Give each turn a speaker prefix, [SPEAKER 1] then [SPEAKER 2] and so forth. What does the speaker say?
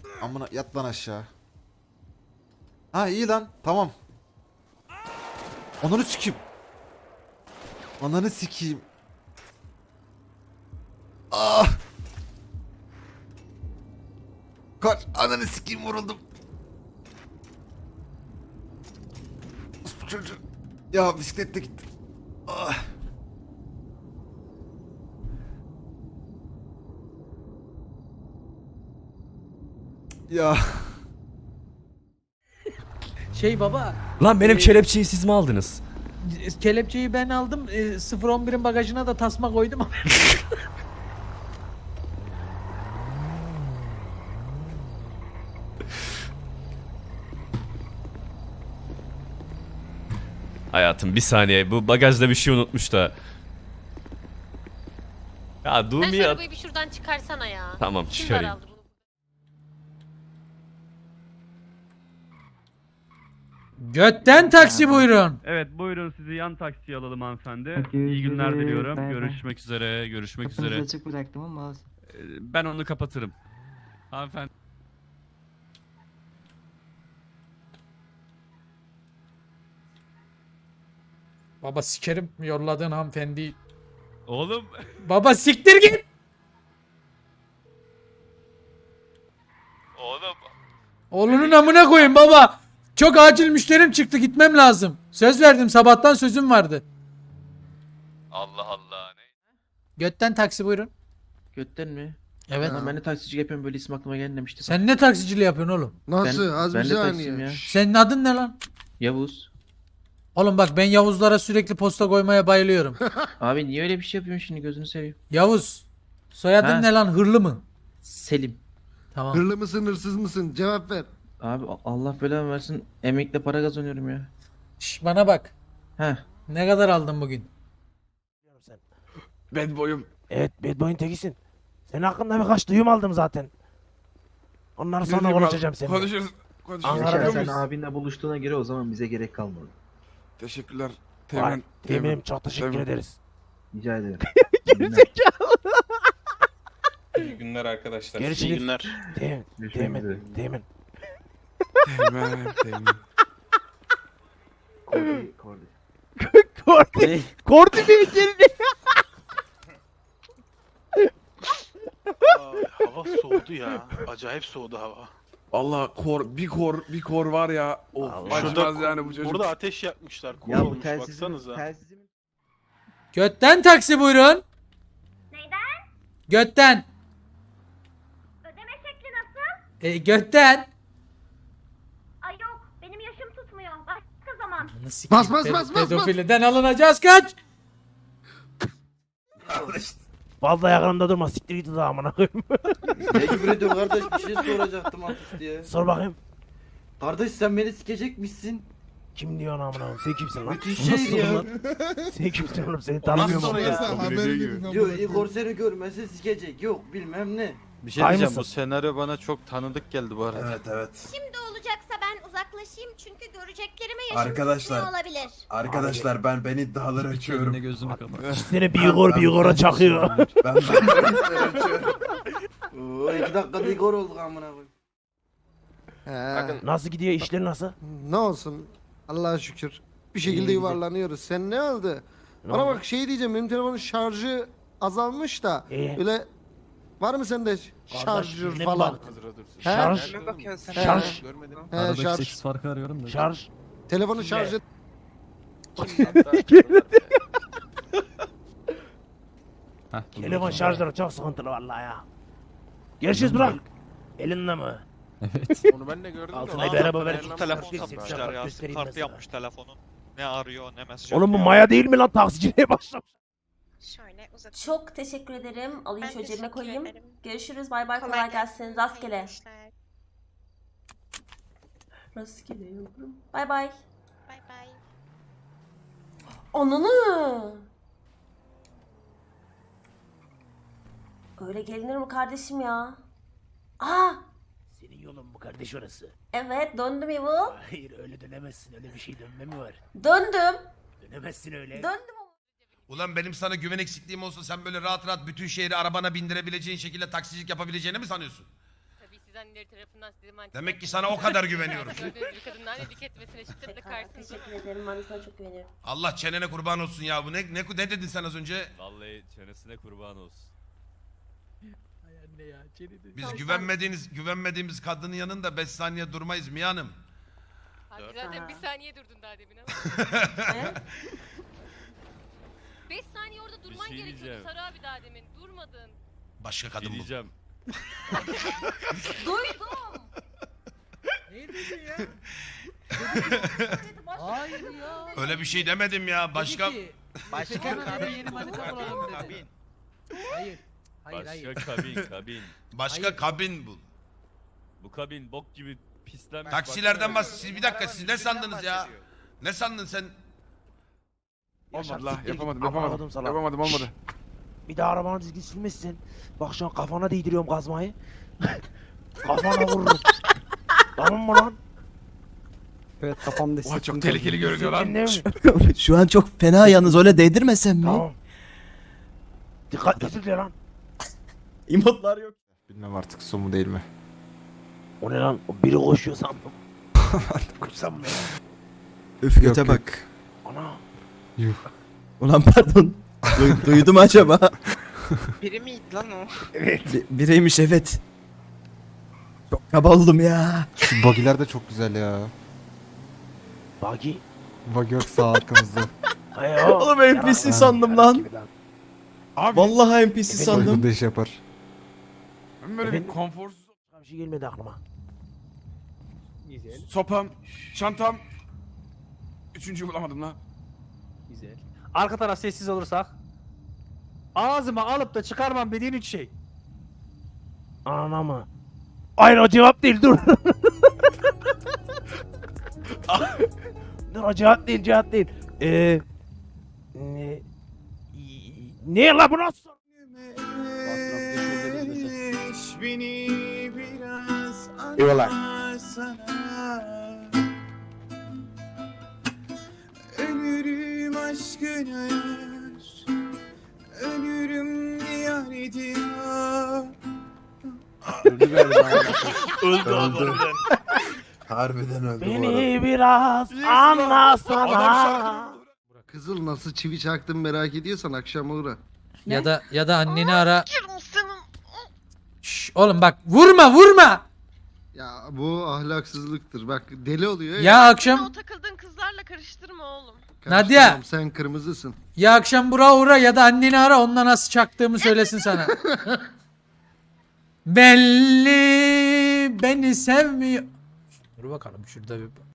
[SPEAKER 1] Amına yat lan aşağı. Ha iyi lan tamam. Ananı sikeyim. Ananı sikeyim. Ah. Kaç ananı sikeyim vuruldum. Bu çocuğu. Ya bisiklette gitti. Ah. Ya.
[SPEAKER 2] Şey baba,
[SPEAKER 3] Lan benim kelepçeyi siz mi aldınız?
[SPEAKER 2] kelepçeyi ben aldım. 011'in bagajına da tasma koydum.
[SPEAKER 3] Hayatım bir saniye, bu bagajda bir şey unutmuş da. Ya
[SPEAKER 4] Sen
[SPEAKER 3] Dumi
[SPEAKER 4] şu
[SPEAKER 3] ya.
[SPEAKER 4] arabayı bir şuradan çıkarsana ya.
[SPEAKER 3] Tamam,
[SPEAKER 4] Kim
[SPEAKER 3] çıkarayım.
[SPEAKER 4] daraldı bunu?
[SPEAKER 2] Götten taksi buyurun.
[SPEAKER 5] Evet buyurun sizi yan taksiye alalım hanımefendi.
[SPEAKER 6] Peki,
[SPEAKER 5] İyi günler
[SPEAKER 6] görüşürüz.
[SPEAKER 5] diliyorum.
[SPEAKER 6] Bay bay.
[SPEAKER 5] Görüşmek üzere. Görüşmek
[SPEAKER 6] Kapınızı
[SPEAKER 5] üzere.
[SPEAKER 6] açık bıraktım ama olsun.
[SPEAKER 5] Ben onu kapatırım. Hanımefendi.
[SPEAKER 2] Baba sikerim yolladığın hanımefendi.
[SPEAKER 5] Oğlum.
[SPEAKER 2] Baba siktir git.
[SPEAKER 5] Oğlum.
[SPEAKER 2] Oğlunun amına koyun baba. Çok acil müşterim çıktı gitmem lazım. Söz verdim sabahtan sözüm vardı.
[SPEAKER 5] Allah Allah. Ne?
[SPEAKER 2] Götten taksi buyurun.
[SPEAKER 7] Götten mi?
[SPEAKER 2] Evet.
[SPEAKER 7] Lan ben de taksicilik yapıyorum, böyle isim aklıma gelmemişti.
[SPEAKER 2] Sen ne taksiciliği yapıyorsun oğlum?
[SPEAKER 8] Nasıl? Az bir
[SPEAKER 7] ben de taksiyim
[SPEAKER 8] saniye.
[SPEAKER 7] ya.
[SPEAKER 2] Senin adın ne lan?
[SPEAKER 7] Yavuz.
[SPEAKER 2] Oğlum bak ben Yavuzlara sürekli posta koymaya bayılıyorum.
[SPEAKER 7] Abi niye öyle bir şey yapıyorsun şimdi, gözünü seveyim.
[SPEAKER 2] Yavuz. Soyadın
[SPEAKER 7] Ha.
[SPEAKER 2] ne lan? Hırlı mı?
[SPEAKER 7] Selim.
[SPEAKER 2] Tamam.
[SPEAKER 8] Hırlı mısın hırsız mısın? Cevap ver.
[SPEAKER 7] Abi Allah belamı versin, emekle para kazanıyorum ya.
[SPEAKER 2] Şş, bana bak.
[SPEAKER 7] Heh.
[SPEAKER 2] Ne kadar aldın bugün?
[SPEAKER 9] Bad boy'um.
[SPEAKER 10] Evet, bad boy'un tekisin. Senin hakkında birkaç duyum aldım zaten. Onları sonra konuşacağım seninle.
[SPEAKER 9] Konuşuruz. Konuşuruz.
[SPEAKER 10] Ankara'da
[SPEAKER 9] Yapıyor
[SPEAKER 10] sen
[SPEAKER 9] muyuz?
[SPEAKER 7] abinle buluştuğuna göre o zaman bize gerek kalmadı.
[SPEAKER 9] Teşekkürler.
[SPEAKER 10] Vay,
[SPEAKER 9] Teğmen.
[SPEAKER 10] Teminim, çok teşekkür
[SPEAKER 9] Teğmen.
[SPEAKER 10] ederiz.
[SPEAKER 7] Rica ederim.
[SPEAKER 11] İyi günler arkadaşlar.
[SPEAKER 10] Görüşürüz.
[SPEAKER 11] İyi günler.
[SPEAKER 10] Temin,
[SPEAKER 7] Görüşmek üzere.
[SPEAKER 10] temin, temin.
[SPEAKER 9] Teğmen. Teğmen.
[SPEAKER 7] Kordi, kordi.
[SPEAKER 10] Kordi, Kordi mi içeride?
[SPEAKER 11] Hava soğudu ya. Acayip soğudu hava.
[SPEAKER 9] Allah bir kor var ya. Of.
[SPEAKER 10] Allah.
[SPEAKER 9] Açmaz yani bu çocuk.
[SPEAKER 11] Burada ateş yakmışlar. Kor
[SPEAKER 7] Ya bu
[SPEAKER 11] olmuş baksanıza.
[SPEAKER 7] telsizim.
[SPEAKER 2] Götten taksi buyurun.
[SPEAKER 4] Neyden?
[SPEAKER 2] Götten.
[SPEAKER 4] Ödeme şekli nasıl?
[SPEAKER 2] Götten.
[SPEAKER 4] Ay yok. Benim yaşım tutmuyor. Başka zaman.
[SPEAKER 8] Bas, bas, bas, bas,
[SPEAKER 2] Pedofiliden alınacağız kaç.
[SPEAKER 10] Fazla yakınımda durma, siktir git o amına koyayım.
[SPEAKER 7] Ne küfür ediyorsun kardeş, bir şey soracaktım artist diye.
[SPEAKER 10] Sor bakayım.
[SPEAKER 7] Kardeş sen beni sikecekmişsin.
[SPEAKER 10] Kim diyor ana amına koyayım? Sen kimsin lan?
[SPEAKER 7] Müthiş şey ya.
[SPEAKER 10] Sen kimsin oğlum? Seni tanımıyorum
[SPEAKER 11] sonra
[SPEAKER 10] oğlum.
[SPEAKER 11] ya?
[SPEAKER 7] Diyor Igor seni görmese sikecek. Yok bilmem ne.
[SPEAKER 11] Bir şey
[SPEAKER 10] Ay
[SPEAKER 11] diyeceğim.
[SPEAKER 10] mısın?
[SPEAKER 11] Bu senaryo bana çok tanıdık geldi bu arada.
[SPEAKER 1] Evet.
[SPEAKER 4] Şimdi olacaksa ben uzaklaşayım çünkü göreceklerime yaşım
[SPEAKER 1] Arkadaşlar.
[SPEAKER 4] tutmuyor olabilir.
[SPEAKER 1] Arkadaşlar ben iddiaları açıyorum.
[SPEAKER 5] Gözünü kapat.
[SPEAKER 10] Seni bir Igor'a çakıyor.
[SPEAKER 1] Ben iddiaları açıyorum.
[SPEAKER 7] Oo 2 dakikada Igor olduk amına koyayım.
[SPEAKER 10] Nasıl gidiyor, işler nasıl?
[SPEAKER 8] Ne olsun? Allah'a şükür. Bir şekilde
[SPEAKER 7] İyi,
[SPEAKER 8] yuvarlanıyoruz. Sen ne oldu? Bana bak şey diyeceğim. Benim telefonun şarjı azalmış da. Öyle var mı sende şarjör
[SPEAKER 10] ne
[SPEAKER 8] falan?
[SPEAKER 10] baktın?
[SPEAKER 8] He?
[SPEAKER 10] Şarj. Şarj.
[SPEAKER 8] He, şarj.
[SPEAKER 5] farkı arıyorum da.
[SPEAKER 10] Şarj.
[SPEAKER 8] Telefonu şarjı.
[SPEAKER 10] Telefon şarjları çok sıkıntılı vallahi ya. Görüşürüz bırak. Elinde mi?
[SPEAKER 11] Onu ben de gördüm.
[SPEAKER 10] Altına beraber ver.
[SPEAKER 11] Telefon
[SPEAKER 10] satmışlar ya, sim kartı yapmış
[SPEAKER 11] telefonun. Ne arıyor ne mesaj
[SPEAKER 10] Oğlum bu Maya değil mi lan, taksiciliğe başlamış.
[SPEAKER 4] Şöyle uzat.
[SPEAKER 12] Çok teşekkür ederim. Alayım
[SPEAKER 4] Ben
[SPEAKER 12] şöyle cebime
[SPEAKER 4] teşekkür
[SPEAKER 12] koyayım.
[SPEAKER 4] ederim.
[SPEAKER 12] Görüşürüz. Bay bay. Kolay gelsin. Rastgele.
[SPEAKER 4] İşler.
[SPEAKER 12] Rastgele yavrum. Bay bay.
[SPEAKER 4] Bay bay.
[SPEAKER 12] Ananı. Öyle gelinir mi kardeşim ya? Aa!
[SPEAKER 10] Senin yolun mu kardeş orası?
[SPEAKER 12] Evet döndüm Evil.
[SPEAKER 10] Hayır öyle dönemezsin, öyle bir şey dönme mi var?
[SPEAKER 12] Döndüm.
[SPEAKER 10] Dönemezsin öyle.
[SPEAKER 12] Döndüm ama.
[SPEAKER 13] Ulan benim sana güven eksikliğim olsa sen böyle rahat rahat bütün şehri arabana bindirebileceğin şekilde taksicilik yapabileceğini mi sanıyorsun?
[SPEAKER 4] siz anneleri tarafından size mantıklı.
[SPEAKER 13] Demek ki sana o kadar güveniyorum.
[SPEAKER 4] Gördüğünüz bir kadınlar edik etmesine şiddetle karşısınız.
[SPEAKER 12] Teşekkür ederim. Ben de sana çok güveniyorum.
[SPEAKER 13] Allah çenene kurban olsun ya. Bu ne dedin sen az önce?
[SPEAKER 3] Vallahi çenesine kurban olsun.
[SPEAKER 2] Ay anne ya.
[SPEAKER 13] Biz güvenmediğimiz kadının yanında 5 saniye durmayız Mia Hanım.
[SPEAKER 4] Abi zaten bir saniye durdun daha demin ama.
[SPEAKER 12] He?
[SPEAKER 4] 5 saniye orada durman
[SPEAKER 3] şey
[SPEAKER 4] gerekiyordu
[SPEAKER 3] diyeceğim.
[SPEAKER 4] Sarı abi daha demin. Durmadın.
[SPEAKER 13] Başka kadın bu.
[SPEAKER 3] Diyeceğim.
[SPEAKER 12] Duydum.
[SPEAKER 2] Ne dedin ya? Hayır ya.
[SPEAKER 13] Öyle bir şey demedim ya. Başka
[SPEAKER 2] Başka kabin. Yeni manita bulalım dedi. Hayır. Hayır hayır.
[SPEAKER 3] Başka kabin.
[SPEAKER 13] başka
[SPEAKER 2] Hayır.
[SPEAKER 13] kabin bul.
[SPEAKER 3] Bu kabin bok gibi pislenmiş.
[SPEAKER 13] Taksilerden bahsediyoruz. Bir dakika siz ne sandınız ya? Ne sandın sen?
[SPEAKER 9] Olmadı la.
[SPEAKER 10] siktir git.
[SPEAKER 9] Yapamadım
[SPEAKER 10] Amına
[SPEAKER 9] yapamadım.
[SPEAKER 10] kodum sana.
[SPEAKER 9] Yapamadım olmadı.
[SPEAKER 10] Bir daha arabanı düzgün sürmüşsün. Bak şu an kafana değdiriyorum kazmayı. Kafana vururum. Tamam mı lan?
[SPEAKER 7] Evet kafamda
[SPEAKER 9] Oha çok tehlikeli görünüyor lan.
[SPEAKER 10] Dinle mi?
[SPEAKER 7] Şu an çok fena yalnız öyle değdirmesem mi?
[SPEAKER 10] Tamam. Dikkatli lan.
[SPEAKER 7] İmotlar yok.
[SPEAKER 1] Bilmem artık su mu değil mi?
[SPEAKER 10] O ne lan? O biri koşuyor sandım. Koşsam mı ya?
[SPEAKER 7] Üf göte
[SPEAKER 1] yok.
[SPEAKER 7] bak.
[SPEAKER 10] Ana.
[SPEAKER 7] Ulan pardon. Duydum acaba?
[SPEAKER 11] Biri miydi lan o?
[SPEAKER 7] Bireymiş evet. Çok kaba oldum ya.
[SPEAKER 1] Şu bagiler de çok güzel ya.
[SPEAKER 10] Buggy.
[SPEAKER 1] Bagi yok sağ arkamızda.
[SPEAKER 10] Ay o.
[SPEAKER 7] Oğlum NPC sandım lan.
[SPEAKER 9] Abi
[SPEAKER 7] Vallahi NPC sandım.
[SPEAKER 1] Soygunda iş yapar.
[SPEAKER 9] ben böyle bir
[SPEAKER 10] Efendim?
[SPEAKER 9] konforsuz.
[SPEAKER 10] Bir şey gelmedi aklıma.
[SPEAKER 9] Sopam, çantam. Üçüncüyü bulamadım lan.
[SPEAKER 2] Güzel. Arka taraf sessiz olursak. Ağzıma alıp da çıkarmam dediğin 3 şey.
[SPEAKER 10] Ana mı? Hayır o cevap değil dur. Dur o cevap değil. Ne? Ne la bu nasıl? Eyvallah.
[SPEAKER 7] Ölürüm aşkına yar. Ölürüm diyar diyar.
[SPEAKER 10] Öldü galiba.
[SPEAKER 7] Öldü. Harbiden öldü bu arada.
[SPEAKER 10] Beni biraz anlasana.
[SPEAKER 8] Kızıl nasıl çivi çaktın merak ediyorsan akşam uğra.
[SPEAKER 2] Ya da anneni ara. Şş, oğlum bak vurma.
[SPEAKER 8] Ya bu ahlaksızlıktır. Bak deli oluyor.
[SPEAKER 2] Ya akşam
[SPEAKER 4] takıldığın kızlarla karıştırma oğlum.
[SPEAKER 8] Karıştıramam,
[SPEAKER 2] Nadia.
[SPEAKER 8] sen kırmızısın.
[SPEAKER 2] ya akşam Burak'a uğra ya da anneni ara onunla nasıl çaktığımı söylesin sana. Belli beni sevmiyor. Dur bakalım şurada bir